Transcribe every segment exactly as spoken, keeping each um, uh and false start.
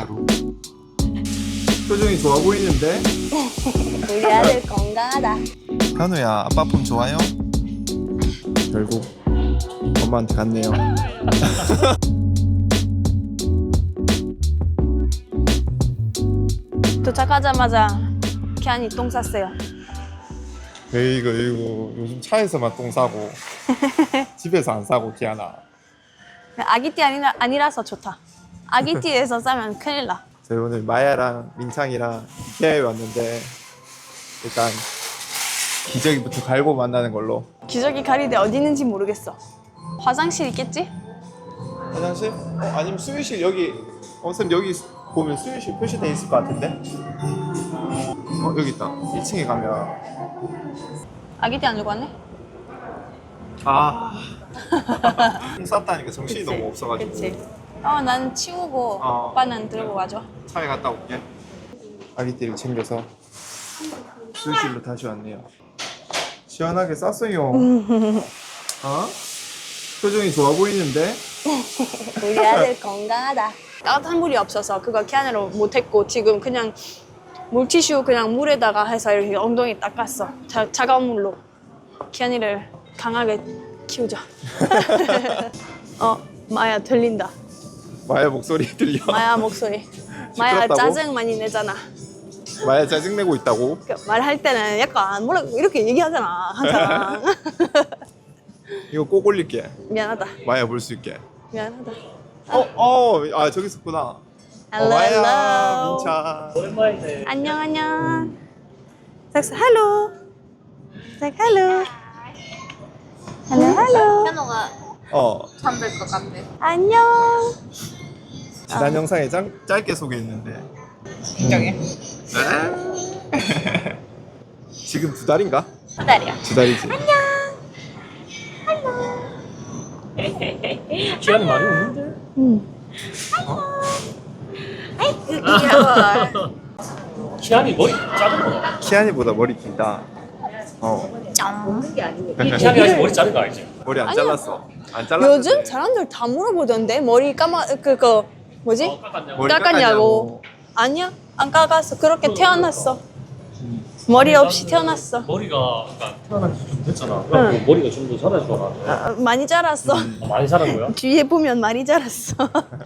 하루. 표정이 좋아 보이는데? 우리 아들 건강하다. 현우야, 아빠 폰 좋아요? 결국 엄마한테 갔네요. 도착하자마자 기한이 똥 쌌어요. 에이구 에이구 요즘 차에서만 똥 싸고 집에서 안 싸고 기아나. 아기띠 아니라, 아니라서 좋다. 아기띠에서 싸면 큰일 나. 저희 오늘 마야랑 민창이랑 이케아에 왔는데 일단 기저귀부터 갈고 만나는 걸로. 기저귀 가리대 어디 있는지 모르겠어. 화장실 있겠지? 화장실? 어, 아니면 수유실 여기. 어, 쌤 여기 보면 수유실 표시돼 있을 것 같은데? 어 여기 있다. 일 층에 가면. 아기띠 안 들고 왔네? 아 똥 쌌다니까 정신이 그치, 너무 없어가지고. 그치. 어, 난 치우고 어. 오빠는 들고 와줘. 차에 갔다 올게. 아기띠를 챙겨서 수유실로 다시 왔네요. 시원하게 쌌어요. 어? 표정이 좋아 보이는데? 우리 아들 건강하다. 따뜻한 물이 없어서 그거 캔으로 못했고 지금 그냥 물티슈 그냥 물에다가 해서 이렇게 엉덩이 닦았어. 자, 차가운 물로. 키안이를 강하게 키우자. 어, 마야 들린다. 마야 목소리 들려? 마야 목소리. 마야 시끄럽다고? 짜증 많이 내잖아. 마야 짜증내고 있다고? 그 말할 때는 약간 뭐라 이렇게 얘기하잖아. 항상. 이거 꼭 올릴게. 미안하다. 마야 볼 수 있게. 미안하다. 어, 어, 아 저기 있었구나. 어, Hello, 마야, hello. 민차. 오랜만이네. 안녕 안녕. 섹스 hello. 섹 hello. hello hello. 현호가 어, 잠들 것 같아. 안녕. 지난 영상에 짱, 짧게 소개했는데. 인정해. 지금 두 달인가? 두 달이야. 두 달이지. 기한이 많이 오는데? 응. 아이고 귀여워. 기한이 머리 자른 거야. 키안이보다 머리 길다. 어, 기한이 아직 머리 자른 거 알지? 머리 안 아니야. 잘랐어. 안 잘랐어. 요즘 사람들 다 물어보던데 머리 감아 그거 뭐지? 어, 깎았냐고. 머리 깎았냐고. 아니야 안 깎았어. 그렇게 태어났어. 머리 없이 태어났어. 머리가 약간 태어난 지 좀 됐잖아. 그래갖고 머리가 좀 더 자라줄 줄 알았는데. 어, 많이 자랐어. 아, 많이 자란 거야? 뒤에 보면 많이 자랐어.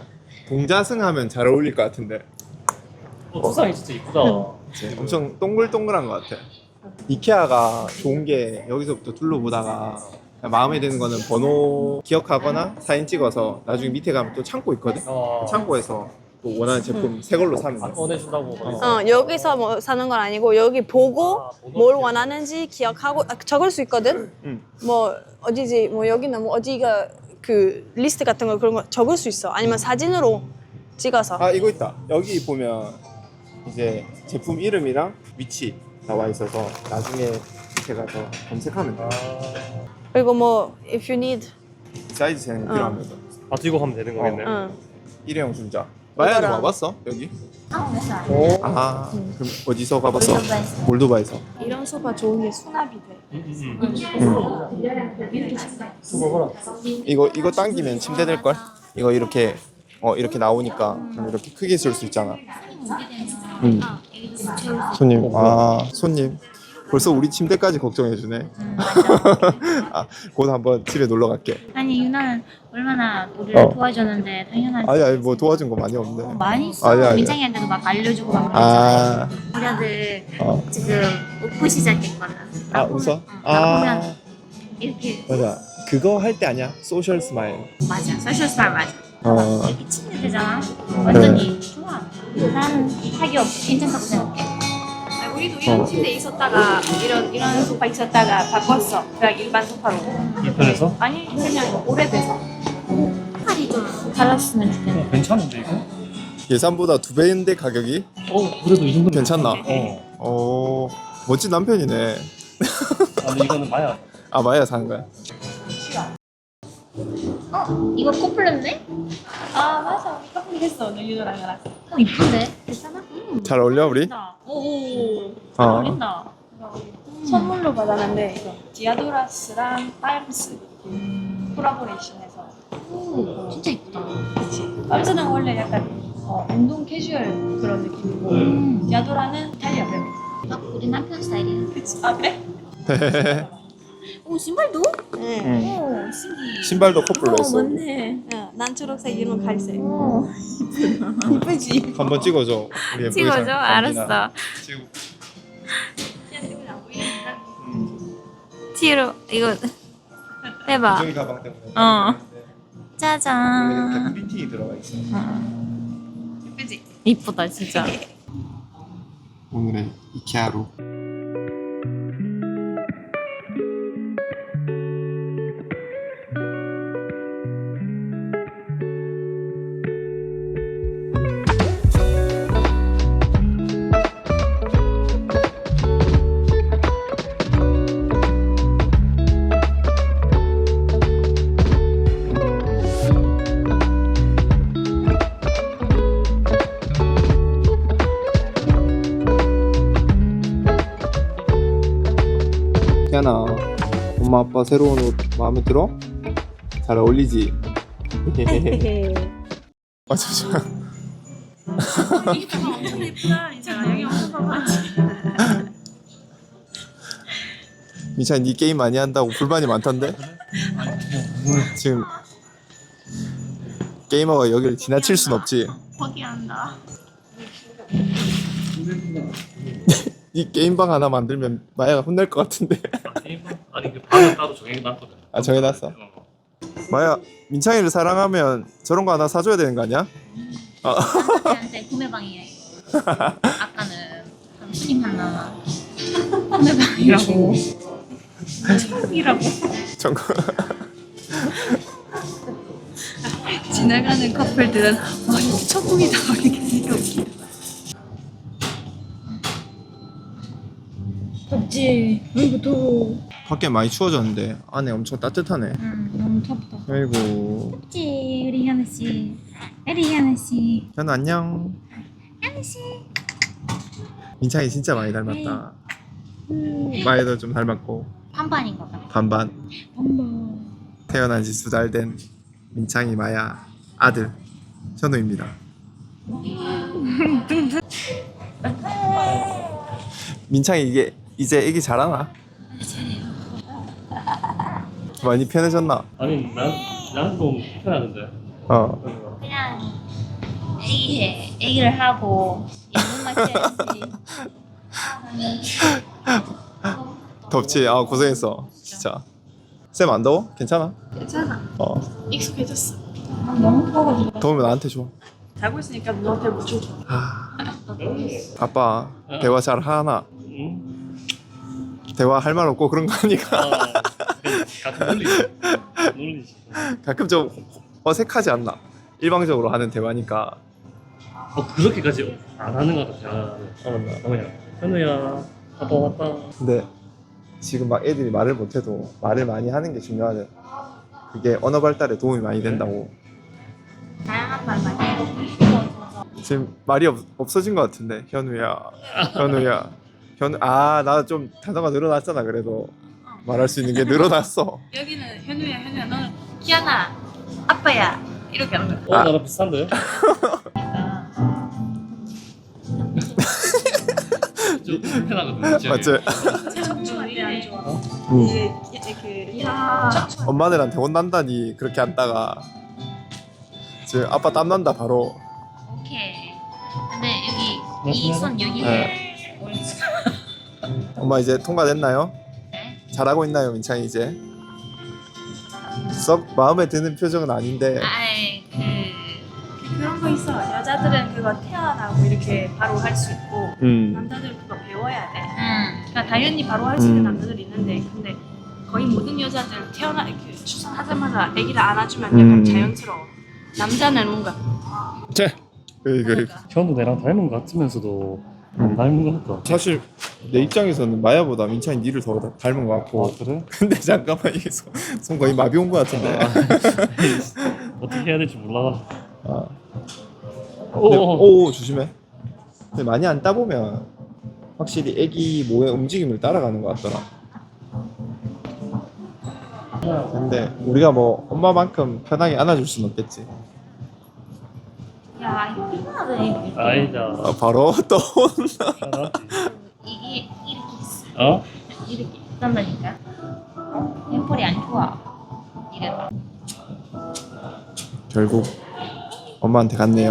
동자승하면 잘 어울릴 것 같은데. 어, 두상이 진짜 이쁘다. 그치? 엄청 동글동글한 것 같아. 이케아가 좋은 게 여기서부터 둘러보다가 마음에 드는 거는 번호 기억하거나 사진 찍어서 나중에 밑에 가면 또 창고 있거든? 어, 창고에서 또 원하는 제품 새 걸로 사면 돼. 보내준다고. 어 여기서 뭐 사는 건 아니고 여기 보고 아, 보고 뭘 기억. 원하는지 기억하고 아, 적을 수 있거든. 응. 뭐 어디지 뭐 여기는 뭐 어디가 그 리스트 같은 거 그런 거 적을 수 있어. 아니면 사진으로 찍어서. 아 이거 있다. 여기 보면 이제 제품 이름이랑 위치 나와 있어서 나중에 밑에 가서 검색하면 돼. 그리고 뭐 if you need. 사이즈 재는 거 필요하면 돼. 아, 들고 가면 되는 거겠네. 응. 일회용 중자. 마야는 이거랑- 와봤어? 여기? 한국에서 안 오. 아 그럼 어디서 가봤어? 몰도바에서. 몰도바에서. 이런 소파 좋은 게 수납이 돼. 응, 응, 응. 수고 봐라. 이거 이거 당기면 침대 될 걸? 이거 이렇게 어 이렇게 나오니까 그럼 이렇게 크게 쓸 수 있잖아. 음. 손님 아 손님 벌써 우리 침대까지 걱정해 주네. 아, 곧 한번 집에 놀러 갈게. 아니 유나는 얼마나 우리를 어. 도와줬는데 당연하지. 아니 아니 뭐 도와준 거 많이 없는데. 많이 있어. 아니야, 아니야. 민창이한테도 막 알려주고 막 그랬잖아. 아, 우리 아들 어. 지금 웃고 시작했거든. 아 나 보면- 웃어? 어, 나 보면 아 이렇게 맞아. 그거 할 때 아니야? 소셜 스마일. 맞아. 소셜 스타일 맞아. 어. 미친 애들잖아. 완전히 네. 좋아. 나는 사기 없이 괜찮다고 생각해. 우리도 이런 침대 있었다가 이런 이런 소파 있었다가 바꿨어. 그냥 일반 소파로. 불편해서? 아니 그냥 오래돼서. 팔이 좀 달랐으면 좋겠네. 어, 괜찮은데 이거? 예산보다 두 배인데 가격이? 어, 그래도 이 정도 괜찮나? 어. 어 멋진 남편이네. 아, 근데 이거는 마야. 아 마야 사는 거야? 어? 이거 코플레인데? 아 맞아. 커플했어. 너 유도랑 나랑. 어 이쁜데? 괜찮아? 음. 잘 어울려 우리? 오. 잘 어. 어울린다. 선물로 받았는데 이거 디아도라스랑 파임스 콜라보레이션해서. 오, 진짜 이쁘다. 그치. 파임스는 원래 약간 어, 운동 캐주얼 그런 느낌이고 음. 야도라는 이탈리아 뱀. 아, 우리 남편 스타일이야. 그치? 아 그래? 오, 신발도? 네. 오, 신기해. 신발도 커플로 어 했어. 맞네. 어, 난 초록색, 얘는 갈색. 오, 이쁘지? 한번 찍어줘. 우리 예쁘게 찍어줘? 잘- 알았어. 지금 뒤로 이거 해봐. 저기 가방 때문에. 어. 근데 이렇게 짜잔. 프린팅이 들어가 있어. 이쁘지? 이쁘다 진짜. 오늘의 이케아로. 태연아, 엄마 아빠 새로운 옷 마음에 들어? 잘 어울리지? 아 잠시만. 이쁘다. 엄청 예쁘다. 민찬아 여기 엄청 봐봐야지. 민찬이 네 게임 많이 한다고 불만이 많던데? 지금 게이머가 여기를 지나칠 순 없지. 포기한다. 이 게임방 하나 만들면 마야가 혼날 것 같은데. 아, 게임방? 아니 그 방은 따로 정해놨거든. 아 정해놨어? 어. 마야, 민창이를 사랑하면 저런 거 하나 사줘야 되는 거 아니야? 남자한테 구매방이야 이거. 아까는 삼촌이 하나 구매방이라고. 천국이라고. 정거. 지나가는 커플들은 와 이거 천국이다 이렇게 되게 웃기다. 덥지? 아이고 더워. 밖에 많이 추워졌는데 안에 엄청 따뜻하네. 응, 너무 덥다. 아이고. 그치 우리 현우 씨. 우리 현우 씨. 현우 안녕. 현우 씨. 민창이 진짜 많이 닮았다. 마야도 좀 닮았고 반반인 것 같아. 반반. 엄마. 태어난 지 두 달 된 민창이 마야 아들 현우입니다. 민창이 이게 이제 애기 잘하나? 많이 편해졌나? 아니 난 나는 좀 편하던데. 어. 그냥 애기 해. 애기를 하고 예능만 해야지. 덥지? 아 고생했어 진짜. 쌤 안 더워? 괜찮아? 괜찮아. 어. 익숙해졌어. 너무 더워가지고. 더우면 나한테 줘. 자고 있으니까 너한테 못 줘. 아. 아빠 대화 잘 하나? 응? 대화 할 말 없고 그런 거 하니까 어. 가끔 놀리지. 놀리지. 가끔 좀 어색하지 않나? 일방적으로 하는 대화니까. 어 그렇게까지 안 하는 것 같아. 대화는. 어, 맞나? 어, 그냥 현우야 아빠 왔다. 근데 지금 막 애들이 말을 못해도 말을 많이 하는 게 중요하대. 그게 언어 발달에 도움이 많이 된다고. 다양한 말 많이 해. 지금 말이 없, 없어진 것 같은데. 현우야, 현우야, 현우. 아, 나 좀 단어가 늘어났잖아. 그래도 말할 수 있는 게 늘어났어. 여기는 현우야 현우야 너는 키아나 아빠야 이렇게 하는 거야. 어 아. 나랑 비슷한데? 좀 불편하거든. 지금. 맞지? 척추한테 안 좋아. 응. 이게 이렇게 척추. 엄마들한테 혼난다니 그렇게 한다가 지금 아빠 땀 난다 바로. 오케이. 근데 여기 이 손 여기 해. 옳지. 엄마 이제 통과됐나요? 네. 잘하고 있나요, 민창이 이제? 썩 마음에 드는 표정은 아닌데. 아이 그 그런 거 있어. 여자들은 그거 태어나고 이렇게 바로 할 수 있고 음. 남자들은 그거 배워야 돼. 응. 그러니까 당연히 바로 할 수 있는 음. 남자들이 있는데 근데 거의 모든 여자들 태어나 이렇게 출산하자마자 아기를 안아주면 음. 약간 자연스러워. 남자는 뭔가 제. 그, 그. 현우 내랑 닮은 것 같으면서도 안 닮은 것 같다. 사실 내 입장에서는 마야보다 민찬이 니를 더 닮은 것 같고. 아 그래? 근데 잠깐만 이게 손, 손 거의 마비 온 것 같은데. 어떻게 해야 될지 몰라. 아. 오. 근데, 오 조심해. 근데 많이 안 따보면 확실히 애기 모의 움직임을 따라가는 것 같더라. 근데 우리가 뭐 엄마만큼 편하게 안아줄 순 없겠지. 야 이거 피곤하네. 아니다. 아, 바로 또 온다. 편하지. 이게 이렇게 있어. 어? 이렇게 딴다니까. 햄플이 안 좋아. 이래서. 결국 엄마한테 갔네요.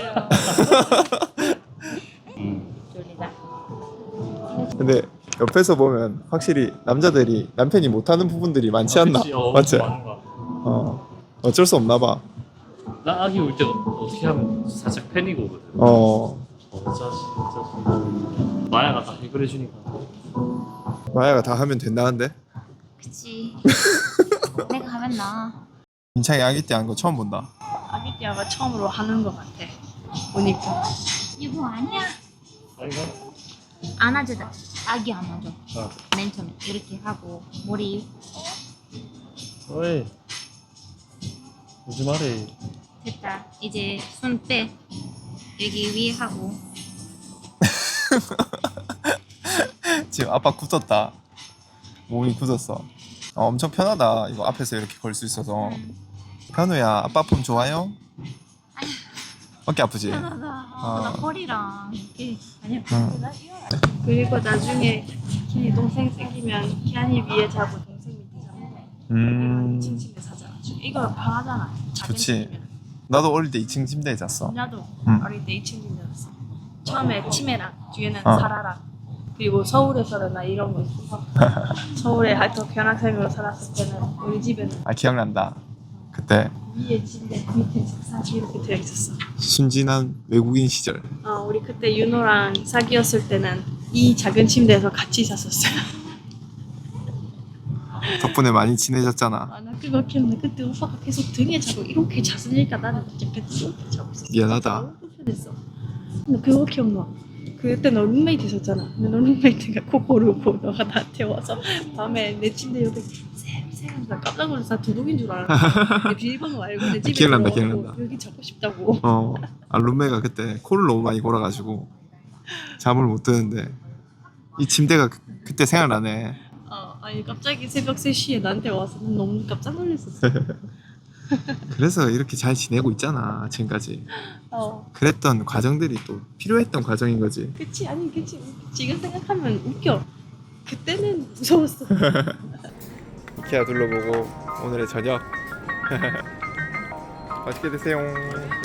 음. 졸리다. 근데 옆에서 보면 확실히 남자들이 남편이 못하는 부분들이 많지 않나? 그치, 어, 맞지? 많은 거 같아. 어 어쩔 수 없나 봐. 나 아기 올 때 어떻게 하면 살짝 패닉 오거든. 어 어쩌지 어쩌지. 마야가 다 해결해 주니까. 마야가 다 하면 된다는데? 그치. 내가 하면 나. 민창이 아기 때 한 거 처음 본다. 아기 띠아가 처음으로 하는 것 같아. 보니까. 이거 아니야. 아이가? 안아주다. 아기 안아줘. 어. 맨 처음에 이렇게 하고 머리 어이. 오지 말해. 됐다. 이제 손 빼. 여기 위에 하고. 지금 아빠 굳었다. 몸이 굳었어. 어, 엄청 편하다. 이거 앞에서 이렇게 걸 수 있어서. 음. 현우야, 아빠 품 좋아요? 어깨 아프지? 편하다. 아, 나 어. 허리랑 이게 아니야. 응. 나 이거. 그리고 나중에 키안이 동생 생기면 키안이 위에 자고 동생 밑에 자고. 음. 이 층 침대 사자. 이거 편하잖아. 작은 그치. 침대면. 나도 어릴 때 이 층 침대에 잤어. 나도 응. 어릴 때 이 층 침대 잤어. 처음에 치매랑 뒤에는 어. 사라랑 그리고 서울에서는 나 이런 거 있어서 서울에 하여튼 교환학생으로 살았을 때는 우리 집에는 아, 기억난다. 그때 위에 침대 밑에 책상 이렇게 되어 있었어. 순진한 외국인 시절. 어, 우리 그때 윤호랑 사귀었을 때는 이 작은 침대에서 같이 잤었어요. 덕분에 많이 친해졌잖아. 아, 나 그거 기억나. 그때 오빠가 계속 등에 자고 이렇게 잤으니까 나는 약간 이렇게 자고 있었어. 미안하다. 너무 불편했어. 근데 그거 기억나. 그때 너 룸메이트 있었잖아. 근데 너 룸메이트가 코 고르고 너가 나한테 와서 밤에 내 침대 옆에 쌤쌤 나 깜짝 놀라서 나 도둑인 줄 알았어. 내 비밀번호 알고 내 집에 기억난다, 들어와서 기억난다. 여기 자고 싶다고. 어, 아, 룸메가 그때 코를 너무 많이 골아가지고 잠을 못 드는데 이 침대가 그, 그때 생각나네. 어, 아니 갑자기 새벽 세 시에 나한테 와서 난 너무 깜짝 놀랐었어. 그래서 이렇게 잘 지내고 있잖아, 지금까지. 어, 그랬던 과정들이 또 필요했던 과정인 거지. 그치 아니 그치 지금 생각하면 웃겨. 그때는 무서웠어. 이케아 둘러보고 오늘의 저녁 맛있게 드세요.